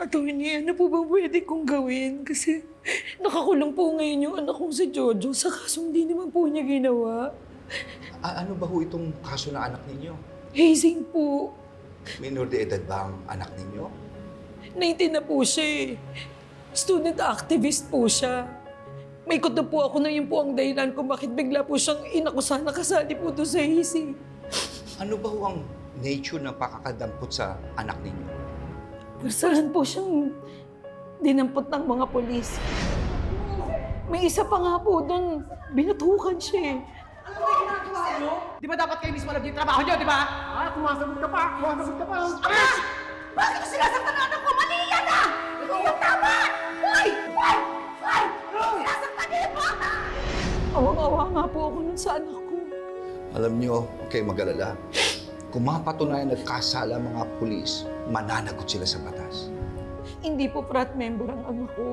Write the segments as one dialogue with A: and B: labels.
A: Attorney, ano po bang pwede kong gawin? Kasi nakakulong po ngayon yung anak kong si Jojo sa kasong di naman po niya ginawa.
B: Ano ba ho itong kaso ng anak ninyo?
A: Hazing po.
B: Minor de edad ba ang anak ninyo?
A: 19 na po siya eh. Student activist po siya. May kuto po ako na yun po ang dahilan kung bakit bigla po siyang inakusahan na kasali po to sa hazing.
B: Ano ba ho ang nature ng pakakadampot sa anak ninyo?
A: Saan po siyang dinampot ng mga polis. May isa pa nga po doon, binatukan siya eh.
C: Ano ba ginagawa nyo? Di ba dapat kayo mismo alam yung trabaho nyo, di ba? Kumasagot ka pa! Kumasagot ka pa! Ama! Bakit ko sinasaktan ang anak ko? Mali yan ah! Hindi yung tama! Hoy! Hoy! Hoy! Sinasaktan niyo yung bata!
A: Awang-awa nga po ako nun sa anak ko.
B: Alam nyo, huwag kayong mag-alala. Kung mapatunayan nagkasala ang mga pulis, mananagot sila sa batas.
A: Hindi po frat member ang anak ko.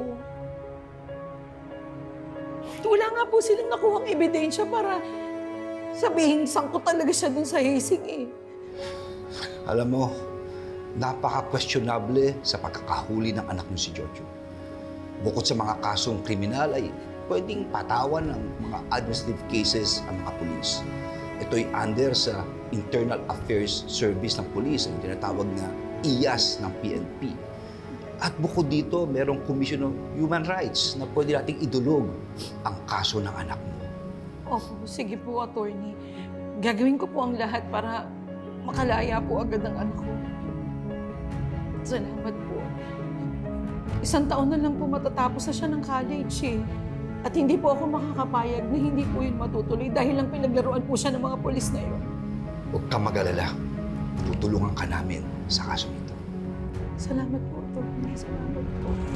A: Wala nga po silang nakuhang ebidensya para sabihin sangkot talaga siya dun sa hazing eh.
B: Alam mo, napaka-questionable sa pagkakahuli ng anak mo si Jojo. Bukod sa mga kasong kriminal ay pwedeng patawan ng mga administrative cases ang mga pulis. Ito'y under sa Internal Affairs Service ng Police, ang tinatawag na IAS ng PNP. At bukod dito, merong Commission of Human Rights na pwede nating idulog ang kaso ng anak mo.
A: Opo, sige po, attorney. Gagawin ko po ang lahat para makalaya po agad ang anak ko. Salamat po. 1 taon na lang po matatapos na siya ng college eh. At hindi po ako makakapayag na hindi po yun matutuloy dahil lang pinaglaruan po siya ng mga polis na yun.
B: Huwag kang mag-alala. Tutulungan ka namin sa kaso nito.
A: Salamat po, attorney. Salamat po.